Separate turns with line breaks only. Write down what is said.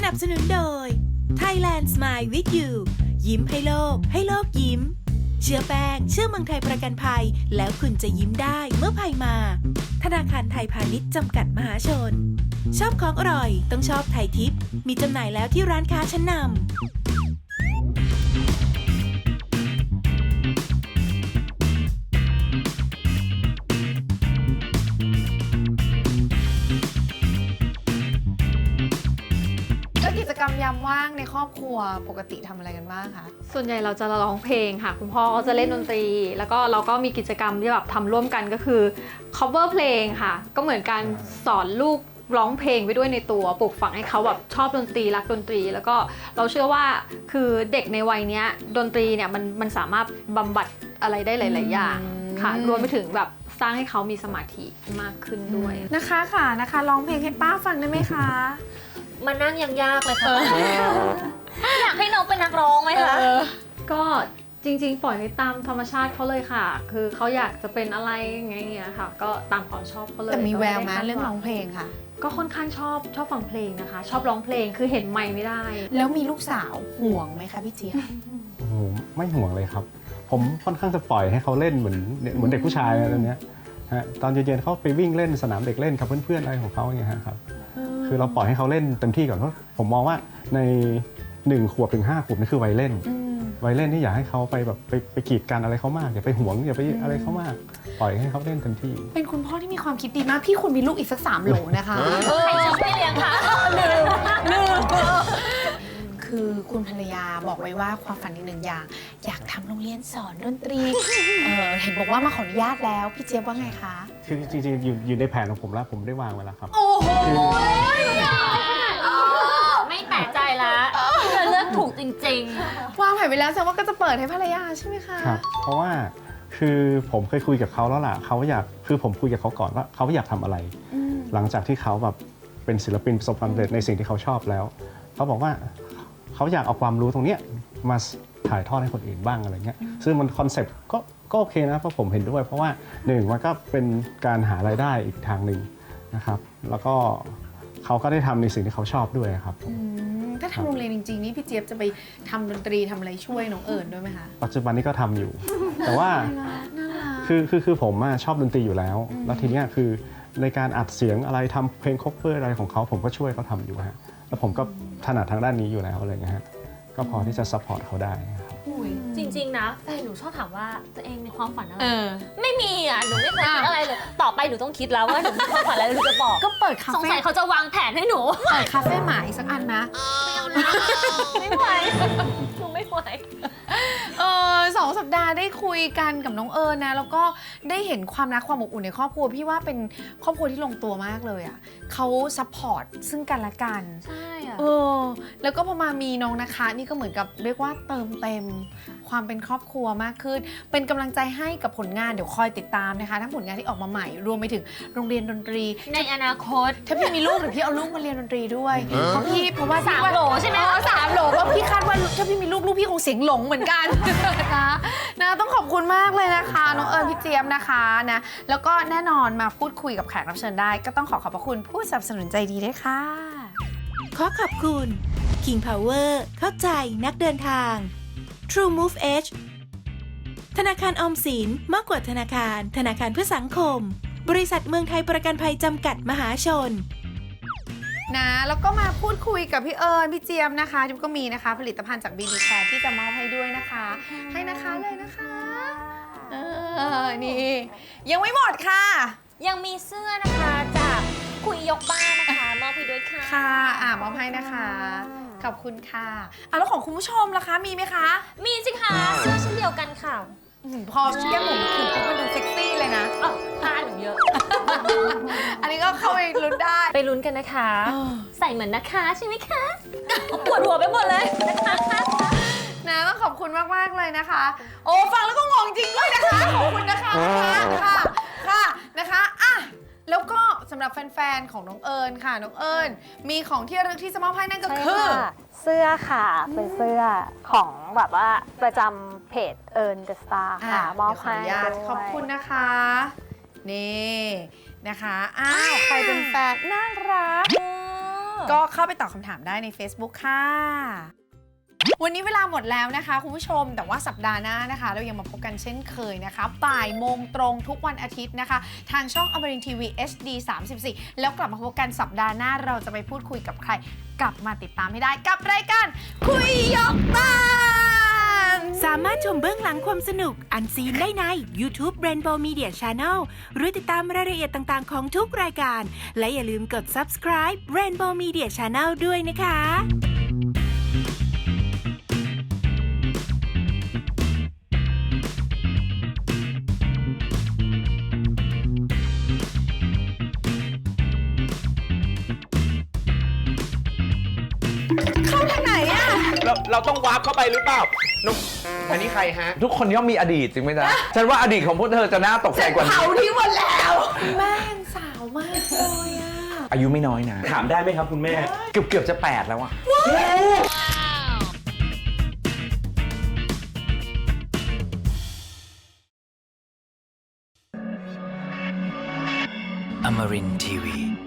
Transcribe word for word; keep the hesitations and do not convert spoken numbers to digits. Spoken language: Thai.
นับสนุนโดย Thailand Smile with you ยิ้มให้โลกให้โลกยิ้มเชื่อแป้งเชื่อเมืองไทยประกันภัยแล้วคุณจะยิ้มได้เมื่อภัยมาธนาคารไทยพาณิชย์จำกัดมหาชนชอบของอร่อยต้องชอบไทยทิปมีจำหน่ายแล้วที่ร้านค้าชั้นนำ
กิจกรรมยามว่างในครอบครัวปกติทำอะไรกันบ้างคะ
ส่วนใหญ่เราจะร้องเพลงค่ะคุณพ่อก็จะเล่นดนตรีแล้วก็เราก็มีกิจกรรมที่แบบทำร่วมกันก็คือ cover เพลงค่ะก็เหมือนการสอนลูกร้องเพลงไปด้วยในตัวปลูกฝังให้เขาแบบชอบดนตรีรักดนตรีแล้วก็เราเชื่อว่าคือเด็กในวัยนี้ดนตรีเนี่ยมันมันสามารถบำบัดอะไรได้หลายๆอย่างค่ะรวมไปถึงแบบสร้างให้เขามีสมาธิมากขึ้นด้วย
นะคะค่ะนะคะร้องเพลงให้ป้าฟังได้ไหมคะ
มานั่งยังยากเลยค่ะอยากให้น้องเป็นนักร้องไหมคะ
ก็จริงๆปล่อยให้ตามธรรมชาติเขาเลยค่ะคือเขาอยากจะเป็นอะไรอย่างเงี้ยค่ะก็ตามความชอบเขาเลย
แต่มีแววไหมเรื่องร้องเพลงค่ะ
ก็ค่อนข้างชอบชอบฟังเพลงนะคะชอบร้องเพลงคือเห็นไมค์ไม่ได้
แล้วมีลูกสาวห่วงไหมคะพี่เจี๊ยบ
โอ้โหไม่ห่วงเลยครับผมค่อนข้างจะปล่อยให้เขาเล่นเหมือนเหมือนเด็กผู้ชายอะไรเนี้ยฮะตอนเย็นๆเขาไปวิ่งเล่นสนามเด็กเล่นกับเพื่อนๆอะไรของเขาอย่างเงี้ยครับคือเราปล่อยให้เขาเล่นเต็มที่ก่อนเพราะผมมองว่าในหนึ่งขวบถึงห้าขวบนี่คือวัยเล่นวัยเล่นนี่อยากให้เขาไปแบบไปไปกีดกันอะไรเขามากอย่าไปหวงอย่าไปอะไรเขามากปล่อยให้เขาเล่นเต็มที่
เป็นคุณพ่อที่มีความคิดดีมากพี่คุณมีลูกอีกสักสามโหลนะคะ
ใครชอบไม่เลี้ยงคะ
ลืมลืมคือคุณภรรยาบอกไว้ว่าความฝันอีกหนึ่งอย่างอยากทำโรงเรียนสอนดนตรีเออเห็นบอกว่ามาขออนุญาตแล้วพี่เจี๊ยบว่าไงคะ
คือจริงๆอยู่อยู่ในแผนของผมแล้วผมได้วางไว้แล้วครับ
โอ้โห
ไม่แปลกใจละเธอเลือกถูกจริง
ๆวางแผนไว้แล้วแสดงว่าก็จะเปิดให้ภรรยาใช่ไหมคะ
ครับเพราะว่าคือผมเคยคุยกับเขาแล้วล่ะเขาอยากคือผมคุยกับเขาก่อนว่าเขาอยากทำอะไรหลังจากที่เขาแบบเป็นศิลปินประสบความสำเร็จในสิ่งที่เขาชอบแล้วเขาบอกว่าเขาอยากเอาความรู้ตรงนี้มาถ่ายทอดให้คนอื่นบ้างอะไรเงี้ยซึ่งมันคอนเซ็ปต์ก็ก็โอเคนะเพราะผมเห็นด้วยเพราะว่าหนึ่งมันก็เป็นการหารายได้อีกทางหนึ่งนะครับแล้วก็เขาก็ได้ทำในสิ่งที่เขาชอบด้วยครับ
ถ้าทำโรงเรียนจริงๆนี่พี่เจี๊ยบจะไปทำดนตรีทำอะไรช่วยน้องเอิญด้วยไหมคะ
ปัจจุบันนี้ก็ทำอยู่ แต่ว่าคือคือคือผมชอบดนตรีอยู่แล้วแล้วทีเนี้ยคือในการอัดเสียงอะไรทำเพลงคอฟเวอร์อะไรของเขาผมก็ช่วยเขาทำอยู่ฮะแล้วผมก็ถนัดทางด้านนี้อยู่แล้วอะไรเงี้ยฮะก็พอที่จะซัพพอร์ตเขาได้
จริงๆนะแฟนหนูชอบถามว่าตัวเองมีความฝันอะไรไม่มีอ่ะหนูไม่เคยคิดอะไรเลยต่อไปหนูต้องคิดแล้วว่าหนูมีความฝันอะไรหนูจะบอก
ก็เปิดคาเฟ่
สงสัยเขาจะวางแผนให้หนู
เปิดคาเฟ่หมาอีกสักอันนะ
ไม่ไหวหนูไม่ไหว
เออสองสัปดาห์ได้คุยกันกับน้องเอิญนะแล้วก็ได้เห็นความรักความอบอุ่นในครอบครัวพี่ว่าเป็นครอบครัวที่ลงตัวมากเลยอ่ะเขาซัพพอร์ตซึ่งกันและกัน
ใช่อ่ะ
เออแล้วก็พอมามีน้องนะคะนี่ก็เหมือนกับเรียกว่าเติมเต็มความเป็นครอบครัวมากขึ้นเป็นกำลังใจให้กับผลงานเดี๋ยวคอยติดตามนะคะทั้งผลงานที่ออกมาใหม่รวมไปถึงโรงเรียนดนตรี
ในอนาคต
ถ้าพี่มีลูกหรือพี่เอาลูกมาเรียนดนตรีด้วยเพราะพี่เพราะว่า
สามโหลใช่ไหม
สามโหลเพราะพี่คาดว่าถ้าพี่มีลูกลูกพี่คงเสียงหลงเหมือนกันนะนะต้องขอบคุณมากเลยนะคะน้องเอิญพี่เจี๊ยบนะคะนะแล้วก็แน่นอนมาพูดคุยกับแขกรับเชิญได้ก็ต้องขอขอบพระคุณผู้สนับสนุนใจดีด้วยค่ะ
ขอขอบคุณ King Power เข้าใจนักเดินทาง True Move Edge ธนาคารออมสินมากกว่าธนาคารธนาคารเพื่อสังคมบริษัทเมืองไทยประกันภัยจำกัดมหาชน
นะแล้วก็มาพูดคุยกับพี่เอิญพี่เจี๊ยบนะคะที่ก็มีนะคะผลิตภัณฑ์จาก บี บี Care ที่จะมอบให้ด้วยนะคะให้นะคะเลยนะคะเออนี่ยังไม่หมดค่ะ
ยังมีเสื้อนะคะจากคุยยกบ้านนะคะมอบให้ด้วยค่ะ
ค่ะอ่ามอบให้นะคะขอบคุณค่ะอ่ะแล้วของคุณผู้ชมล่ะคะมีไหมคะ
มีสิคะเสื้อเช่นเดียวกันค่ะ
พอแก้มหมูถือปุ๊บมันดูเซ็กซี่เลยนะ
อ๋อผ้าหนูเยอะ
อันนี้ก็เข้าไปลุ้นได้
ไปลุ้นกันนะคะใส่เหมือนนะคะใช่ไหมคะปวดหัวไปหมดเลยนะคะ
นะต้องขอบคุณมากๆเลยนะคะโอ้ฟังแล้วก็งงจริงด้วยนะคะขอบคุณนะคะค่ะค่ะนะคะอ่ะแล้วก็สำหรับแฟนๆของน้องเอิญค่ะน้องเอิญมีของที่ระลึกที่จะมอบให้นั่นก็คือ
เสื้อค่ะเป็นเสื้อของแบบว่าประจำเพจเอิญเดอะสตาร์ค่ะมอบให้
ขอบคุณนะคะนี่นะคะอ้าวใครเป็นแฟนน่ารักก็เข้าไปตอบคำถามได้ใน Facebook ค่ะ วันนี้เวลาหมดแล้วนะคะคุณผู้ชมแต่ว่าสัปดาห์หน้านะคะ เรายังมาพบกันเช่นเคยนะคะบ่ายโมงตรงทุกวันอาทิตย์นะคะ ทางช่องอมรินทร์ทีวี เอช ดี สามสิบสี่ แล้วกลับมาพบกันสัปดาห์หน้าเราจะไปพูดคุยกับใคร กลับมาติดตามให้ได้กับรายการคุยยกบ้าน
สามารถชมเบื้องหลังความสนุกอันซีนได้ใน YouTube Rainbow Media Channel หรือติดตามรายละเอียดต่างๆของทุกรายการ และอย่าลืมกด Subscribe Rainbow Media Channel ด้วยนะคะ
เข้าทางไหนอะ
เราเราต้องวาร์ปเข้าไปหรือเปล่านุ๊กอันนี้ใครฮะ
ทุกคนย่อมมีอดีตจริงไหมจ๊ะ ฉันว่าอดีตของพวกเธอจะน่าตกใจกว่านี้
เผาทิ้งหมดแล้ว แม่งสาวมากเลยอะ
อายุไม่น้อยนะ
ถามได้ไหมครับคุณแม่
เกือบเกือบจะแปดแล้วอะ
Amarin Tiwi.